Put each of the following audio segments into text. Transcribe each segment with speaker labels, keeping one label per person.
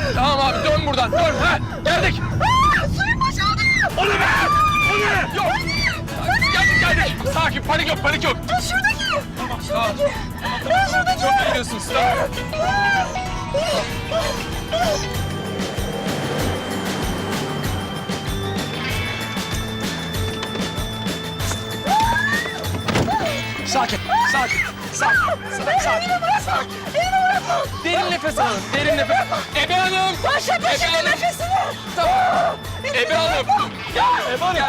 Speaker 1: Tamam abi dön buradan dön. Ha, geldik.
Speaker 2: Suyun boşaldı.
Speaker 1: O ne be? O ne? Yok. Geldik. Sakin panik yok panik yok.
Speaker 2: Şuradaki.
Speaker 1: Tamam. Şuradaki. Çok iyi gidiyorsunuz. Tamam. Sakin. Derin nefes alın, derin nefes. Ebe Hanım.
Speaker 2: Başla nefesini.
Speaker 1: Tamam. Ebe Hanım. Ebe Hanım.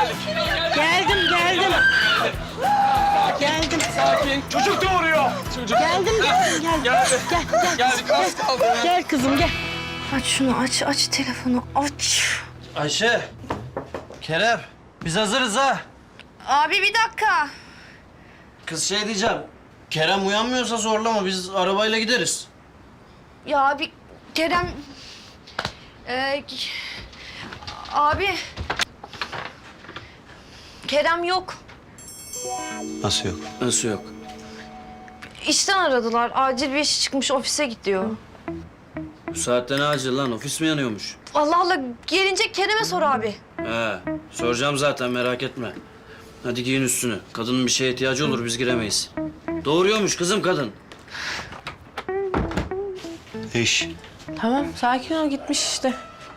Speaker 3: Geldim.
Speaker 1: Sakin. Çocuk doğuruyor. Çocuk.
Speaker 3: Geldim.
Speaker 1: Geldi.
Speaker 3: Gel.
Speaker 1: Geldik az kaldı.
Speaker 3: Gel kızım gel. Aç şunu aç telefonu aç.
Speaker 4: Ayşe, Kerem, biz hazırız ha.
Speaker 3: Abi bir dakika.
Speaker 4: Kız şey diyeceğim, Kerem uyanmıyorsa zorlama, biz arabayla gideriz.
Speaker 3: Ya abi Kerem... abi... Kerem yok.
Speaker 4: Nasıl yok? Nasıl yok?
Speaker 3: İşten aradılar. Acil bir işi çıkmış ofise gidiyor.
Speaker 4: Bu saatte ne acil lan, ofis mi yanıyormuş?
Speaker 3: Allah Allah gelince Kerem'e sor abi.
Speaker 4: He, soracağım zaten merak etme. Hadi giyin üstünü, kadının bir şeye ihtiyacı olur, biz giremeyiz. Doğuruyormuş kızım kadın. İş.
Speaker 5: Tamam, sakin ol. Gitmiş işte.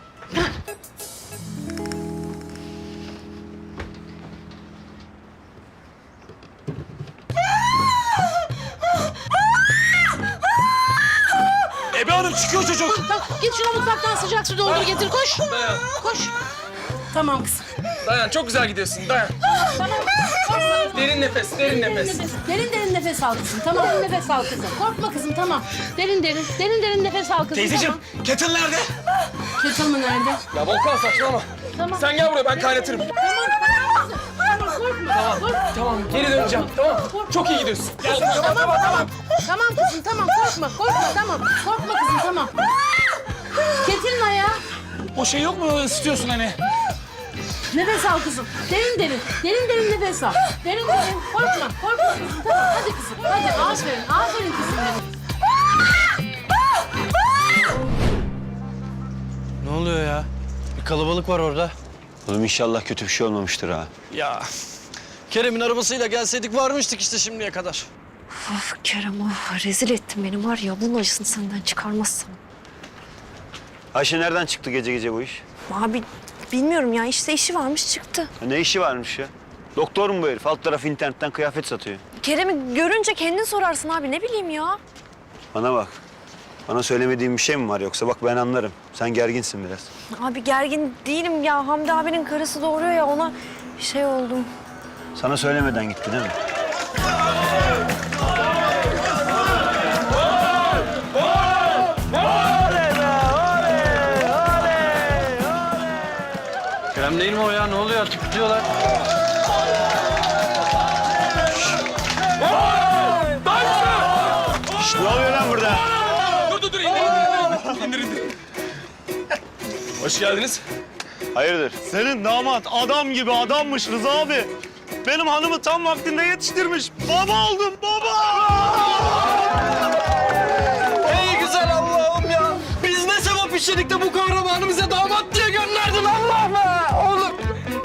Speaker 1: Ebe Hanım çıkıyor çocuk.
Speaker 5: Tamam, git şuna mutfaktan sıcak su doldur getir. Koş.
Speaker 1: Dayan.
Speaker 5: Koş. Tamam kızım.
Speaker 1: Dayan çok güzel gidiyorsun dayan.
Speaker 5: Tamam.
Speaker 1: Derin nefes, derin nefes.
Speaker 5: Derin nefes al kızım. Tamam, nefes al kızım. Korkma kızım, tamam. Derin nefes al kızım.
Speaker 1: Teyzeciğim, kettle nerede?
Speaker 5: Tamam. Kettle mı nerede?
Speaker 1: Ya Volkan saçmalama.
Speaker 5: Tamam.
Speaker 1: Sen gel buraya ben kaynatırım.
Speaker 5: Tamam, korkma.
Speaker 1: Tamam geri döneceğim tamam. Çok iyi gidiyorsun. Gel.
Speaker 5: Tamam. Tamam kızım, tamam. Korkma, tamam. Korkma kızım, tamam. Kettle'ın ayağı.
Speaker 1: O şey yok mu ısıtıyorsun hani?
Speaker 5: Nefes al kızım. Derin nefes al. Derin. Korkma kızım. Tamam, hadi kızım. Hadi, aferin kızım benim.
Speaker 4: Ne oluyor ya? Bir kalabalık var orada.
Speaker 6: Oğlum inşallah kötü bir şey olmamıştır ha.
Speaker 4: Ya, Kerem'in arabasıyla gelseydik varmıştık işte şimdiye kadar.
Speaker 3: Of Kerem rezil ettin beni var ya bunun acısını senden çıkarmazsam.
Speaker 6: Ayşe nereden çıktı gece gece bu iş?
Speaker 3: Abi bilmiyorum ya işte işi varmış çıktı.
Speaker 6: Ya ne işi varmış ya? Doktor mu bu herif? Alt tarafı internetten kıyafet satıyor.
Speaker 3: Kerem'i görünce kendin sorarsın abi ne bileyim ya.
Speaker 6: Bana bak. Bana söylemediğin bir şey mi var yoksa? Bak ben anlarım. Sen gerginsin biraz.
Speaker 3: Abi gergin değilim ya Hamdi abinin karısı doğuruyor ya ona şey oldum.
Speaker 6: Sana söylemeden gitti değil mi?
Speaker 4: Kerem değil mi o ya? Ne oluyor? Tutuyorlar.
Speaker 6: Şşt, ne oluyor lan burada?
Speaker 1: Dur indir. Hoş geldiniz.
Speaker 6: Hayırdır?
Speaker 7: Senin damat adam gibi adammış Rıza abi. Benim hanımı tam vaktinde yetiştirmiş. Baba oldum baba.
Speaker 4: Ey güzel Allah'ım ya! Biz ne sevap işledik de bu kahramanı bize damat diye gönderdin Allah be! Oğlum!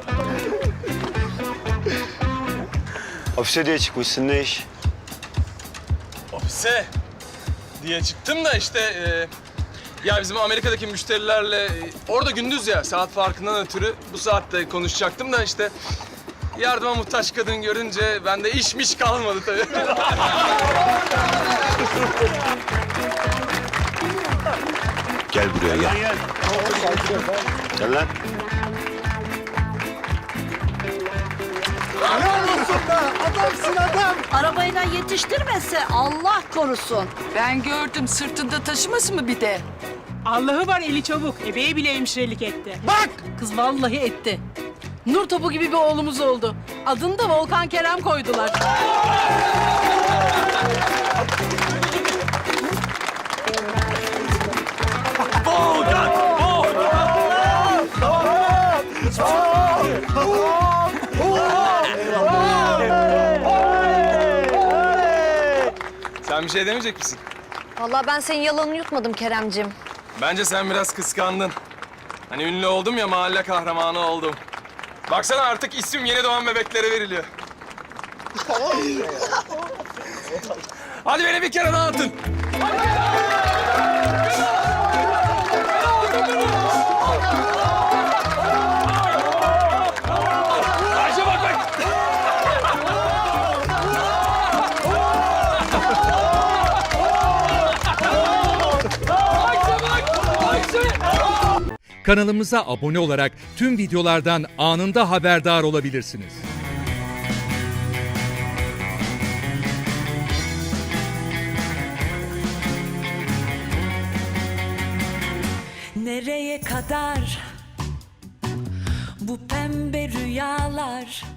Speaker 6: Ofise diye çıkmışsın ne iş?
Speaker 1: Ofise diye çıktım da işte ya bizim Amerika'daki müşterilerle orada gündüz ya saat farkından ötürü bu saatte konuşacaktım da işte yardıma muhtaç kadın görünce bende işmiş kalmadı tabii.
Speaker 6: Gel buraya gel. Gel lan.
Speaker 2: Arabayla yetiştirmese Allah korusun.
Speaker 8: Ben gördüm sırtında taşıması mı bir de?
Speaker 9: Allah'ı var eli çabuk. Ebeye bile hemşirelik etti.
Speaker 5: Bak! Kız vallahi etti. Nur topu gibi bir oğlumuz oldu. Adını da Volkan Kerem koydular.
Speaker 1: Sen bir şey demeyecek misin?
Speaker 3: Vallahi ben senin yalanını yutmadım Keremcim.
Speaker 1: Bence sen biraz kıskandın. Hani ünlü oldum ya, mahalle kahramanı oldum. Baksana artık isim yeni doğan bebeklere veriliyor. Hadi beni bir kere daha atın. Ayşe bak bak.
Speaker 10: Kanalımıza abone olarak tüm videolardan anında haberdar olabilirsiniz.
Speaker 11: Nereye kadar bu pembe rüyalar?